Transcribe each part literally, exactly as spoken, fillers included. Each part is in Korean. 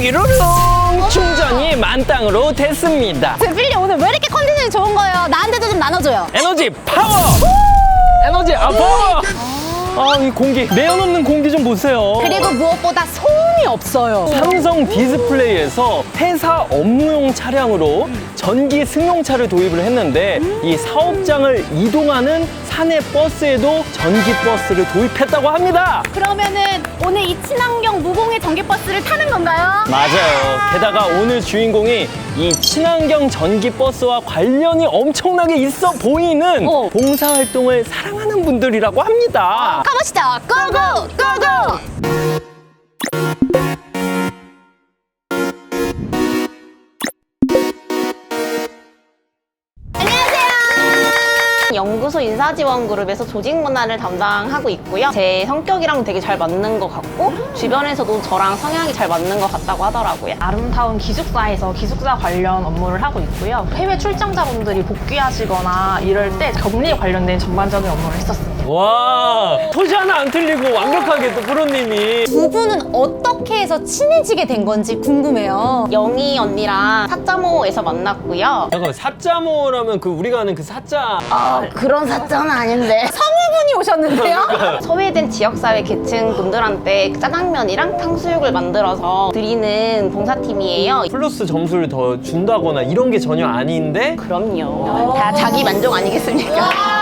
삐루룽 충전이 만땅으로 됐습니다. 필리 오늘 왜 이렇게 컨디션이 좋은 거예요? 나한테도 좀 나눠줘요. 에너지 파워! 에너지 아 파워! 아, 이 공기, 내연 없는 공기 좀 보세요. 그리고 무엇보다 소음이 없어요. 삼성 디스플레이에서 회사 업무용 차량으로 전기 승용차를 도입을 했는데 이 사업장을 이동하는 사내 버스에도 전기 버스를 도입했다고 합니다. 그러면은 오늘 이 친환경 무공해 전기버스를 타는 건가요? 맞아요. 게다가 오늘 주인공이 이 친환경 전기 버스와 관련이 엄청나게 있어 보이는 어. 봉사활동을 사랑하는 분들이라고 합니다. 가보시죠. 고고! 고고! 연구소 인사지원그룹에서 조직문화를 담당하고 있고요. 제 성격이랑 되게 잘 맞는 것 같고 주변에서도 저랑 성향이 잘 맞는 것 같다고 하더라고요. 아름다운 기숙사에서 기숙사 관련 업무를 하고 있고요. 해외 출장자분들이 복귀하시거나 이럴 때 격리 관련된 전반적인 업무를 했었습니다. 와, 토시 하나 안 틀리고 완벽하게 또 프로님이. 두 분은 어떻게 해서 친해지게 된 건지 궁금해요. 영희 언니랑 사자모에서 만났고요. 잠깐만, 사자모라면 그 우리가 아는 그 사자. 아, 그런 사자는 아닌데. 성우분이 오셨는데요? 소외된 지역사회 계층 분들한테 짜장면이랑 탕수육을 만들어서 드리는 봉사팀이에요. 플러스 점수를 더 준다거나 이런 게 전혀 아닌데 그럼요. 다 자기 만족 아니겠습니까?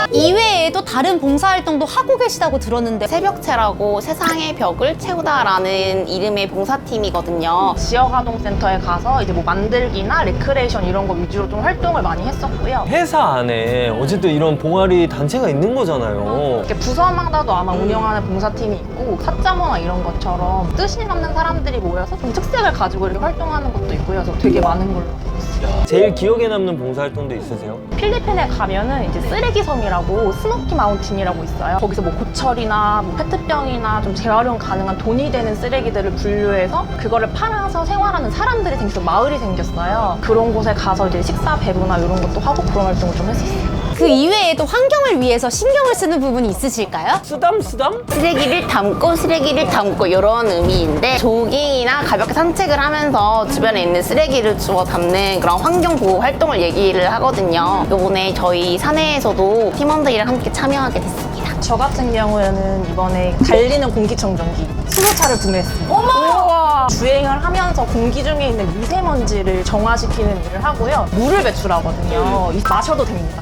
이외에도 다른 봉사활동도 하고 계시다고 들었는데 새벽채라고 세상의 벽을 채우다라는 이름의 봉사팀이거든요. 지역아동센터에 가서 이제 뭐 만들기나 레크레이션 이런 거 위주로 좀 활동을 많이 했었고요. 회사 안에 어쨌든 이런 봉아리 단체가 있는 거잖아요. 이렇게 부서마다도 아마 운영하는 봉사팀이 있고 사자모나 이런 것처럼 뜻이 맞는 사람들이 모여서 좀 특색을 가지고 이렇게 활동하는 것도 있고요. 그래서 되게 많은 걸로 알고 있어요. 제일 기억에 남는 봉사활동도 있으세요? 필리핀에 가면은 이제 쓰레기 섬이라고 스모키 마운틴이라고 있어요. 거기서 뭐 고철이나 뭐 페트병이나 좀 재활용 가능한 돈이 되는 쓰레기들을 분류해서 그거를 팔아서 생활하는 사람들이 생겨서 마을이 생겼어요. 그런 곳에 가서 이제 식사 배부나 이런 것도 하고 그런 활동을 좀 했었어요. 그 이외에도 환경을 위해서 신경을 쓰는 부분이 있으실까요? 쓰담 쓰담? 쓰레기를 담고 쓰레기를 담고 이런 의미인데 조깅이나 가볍게 산책을 하면서 주변에 있는 쓰레기를 주워 담는 그런 환경보호 활동을 얘기를 하거든요. 요번에 저희 사내에서도 팀원들이랑 함께 참여하게 됐습니다. 저 같은 경우에는 이번에 달리는 공기청정기 수소차를 구매했습니다. 어머! 주행을 하면서 공기 중에 있는 미세먼지를 정화시키는 일을 하고요. 물을 배출하거든요. 이- 마셔도 됩니다.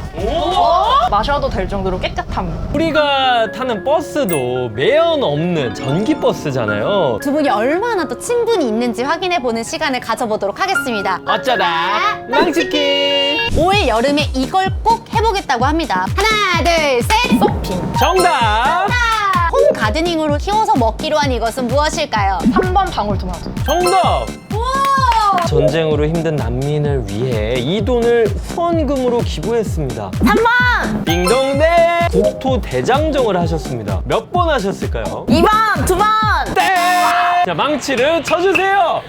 마셔도 될 정도로 깨끗합니다. 우리가 타는 버스도 매연 없는 전기 버스잖아요. 두 분이 얼마나 또 친분이 있는지 확인해보는 시간을 가져보도록 하겠습니다. 어쩌다 망치킨. 올 여름에 이걸 꼭 해보겠다고 합니다. 하나, 둘, 셋! 서핑. 정답. 홈 가드닝으로 키워서 먹기로 한 이것은 무엇일까요? 삼 번 방울토마토. 정답. 전쟁으로 힘든 난민을 위해 이 돈을 후원금으로 기부했습니다. 삼 번! 딩동댕. 국토대장정을 하셨습니다. 몇 번 하셨을까요? 이 번! 두 번! 땡! 자, 망치를 쳐주세요.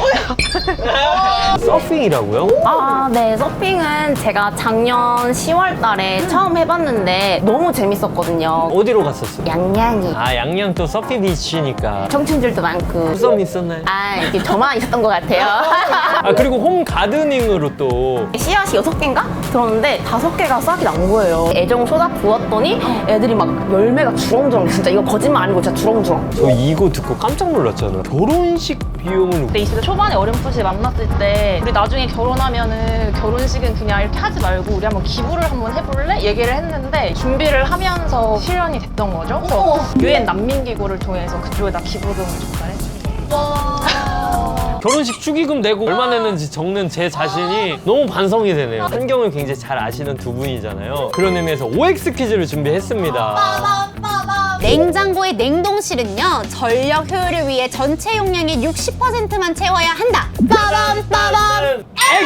서핑이라고요? 아, 네. 서핑은 제가 작년 시월 달에 처음 해봤는데 너무 재밌었거든요. 어디로 갔었어요? 양양이. 아, 양양 또 서피 비치니까. 청춘들도 많고. 수섬 있었나요? 아, 이게 저만 있었던 것 같아요. 아, 그리고 홈 가드닝으로 또 씨앗이 여섯 개인가? 들었는데 다섯 개가 싹이 난 거예요. 애정 쏟아 부었더니 애들이 막 열매가 주렁주렁, 진짜 이거 거짓말 아니고 진짜 주렁주렁. 저 이거 듣고 깜짝 놀랐잖아요. 결혼식 비용을 근데 이십 대 초반에 어렴풋이 만났을 때 우리 나중에 결혼하면은 결혼식은 그냥 이렇게 하지 말고 우리 한번 기부를 한번 해볼래? 얘기를 했는데 준비를 하면서 실현이 됐던 거죠. 그래서 유엔 난민기구를 통해서 그쪽에다 기부금을 전달했어요. 결혼식 축의금 내고 얼마 냈는지 적는 제 자신이 너무 반성이 되네요. 환경을 굉장히 잘 아시는 두 분이잖아요. 그런 의미에서 오엑스 퀴즈를 준비했습니다. 냉장고의 냉동실은요, 전력 효율을 위해 전체 용량의 육십 퍼센트만 채워야 한다. 빠밤 빠밤.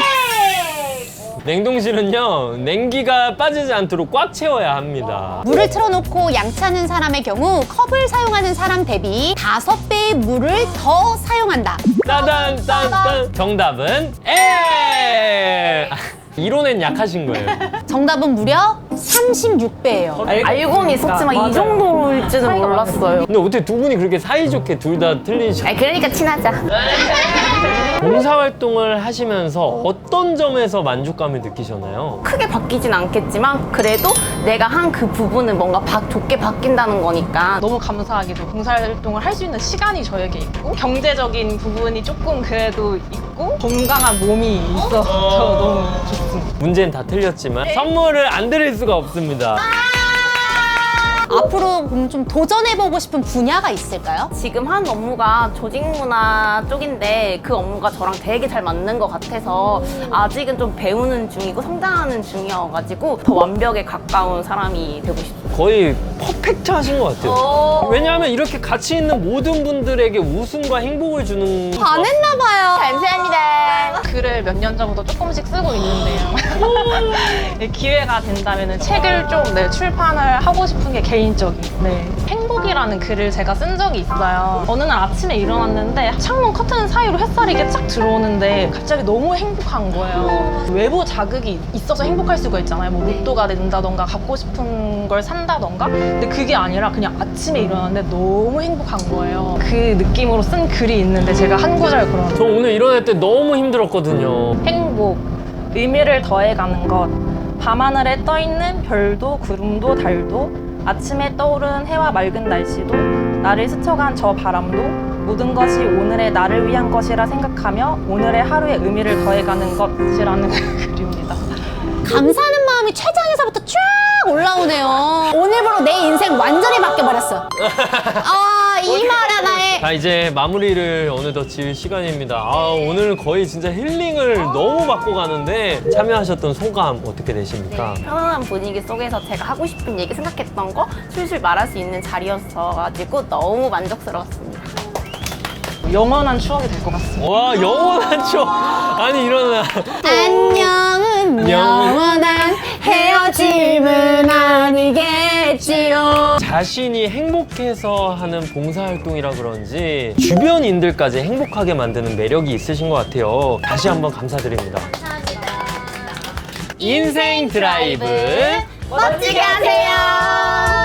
냉동실은요, 냉기가 빠지지 않도록 꽉 채워야 합니다. 물을 틀어놓고 양치하는 사람의 경우 컵을 사용하는 사람 대비 다섯 배의 물을 더 사용한다. 따단 딴딴. 정답은 에. 이론엔 약하신 거예요. 정답은 무려 삼십육 배예요. 알고는 있었지만 이 정도일지는 몰랐어요. 근데 어떻게 두 분이 그렇게 사이좋게 둘 다 틀리셔? 아, 그러니까 친하자. 봉사활동을 하시면서 어떤 점에서 만족감을 느끼셨나요? 크게 바뀌진 않겠지만 그래도 내가 한 그 부분은 뭔가 바, 좋게 바뀐다는 거니까 너무 감사하게도 봉사활동을 할 수 있는 시간이 저에게 있고 경제적인 부분이 조금 그래도 있고 건강한 몸이 있어서 너무 좋습니다. 문제는 다 틀렸지만 선물을 안 드릴 수가 없습니다. 앞으로 그럼 좀 도전해보고 싶은 분야가 있을까요? 지금 한 업무가 조직문화 쪽인데 그 업무가 저랑 되게 잘 맞는 것 같아서 아직은 좀 배우는 중이고 성장하는 중이어가지고 더 완벽에 가까운 사람이 되고 싶어요. 거의 퍼펙트 하신 것 같아요. 왜냐하면 이렇게 같이 있는 모든 분들에게 웃음과 행복을 주는 반했나봐요. 감사합니다. 글을 몇 년 전부터 조금씩 쓰고 있는데요. 기회가 된다면 책을 좀 네, 출판을 하고 싶은 게 개인적인 네. 행복이라는 글을 제가 쓴 적이 있어요. 어느 날 아침에 일어났는데 창문 커튼 사이로 햇살이 이게 쫙 들어오는데 갑자기 너무 행복한 거예요. 외부 자극이 있어서 행복할 수가 있잖아요. 뭐 로또가 된다던가 갖고 싶은 걸 산다던가. 근데 그게 아니라 그냥 아침에 일어났는데 너무 행복한 거예요. 그 느낌으로 쓴 글이 있는데 제가 한 구절 그런 저 오늘 일어날 때 너무 힘들었거든요. 행복, 의미를 더해가는 것. 밤하늘에 떠있는 별도 구름도 달도 아침에 떠오른 해와 맑은 날씨도 나를 스쳐간 저 바람도 모든 것이 오늘의 나를 위한 것이라 생각하며 오늘의 하루의 의미를 더해가는 것이라는 글입니다. 감사하는 마음이 췌장에서부터 쫙 올라오네요. 오늘부로 내 인생 완전히 바뀌어버렸어. 아, 이 말 하나에. 자, 이제 마무리를 어느덧 지을 시간입니다. 아, 오늘 거의 진짜 힐링을 너무 받고 가는데 참여하셨던 소감 어떻게 되십니까? 편안한 분위기 속에서 제가 하고 싶은 얘기 생각했던 거 술술 말할 수 있는 자리였어가지고 너무 만족스러웠습니다. 영원한 추억이 될 것 같습니다. 와, 영원한 추억. 아니, 일어나. 안녕은 영원한 헤어짐은 아니겠지요. 자신이 행복해서 하는 봉사활동이라 그런지 주변인들까지 행복하게 만드는 매력이 있으신 것 같아요. 다시 한번 감사드립니다. 인생 드라이브 멋지게 하세요.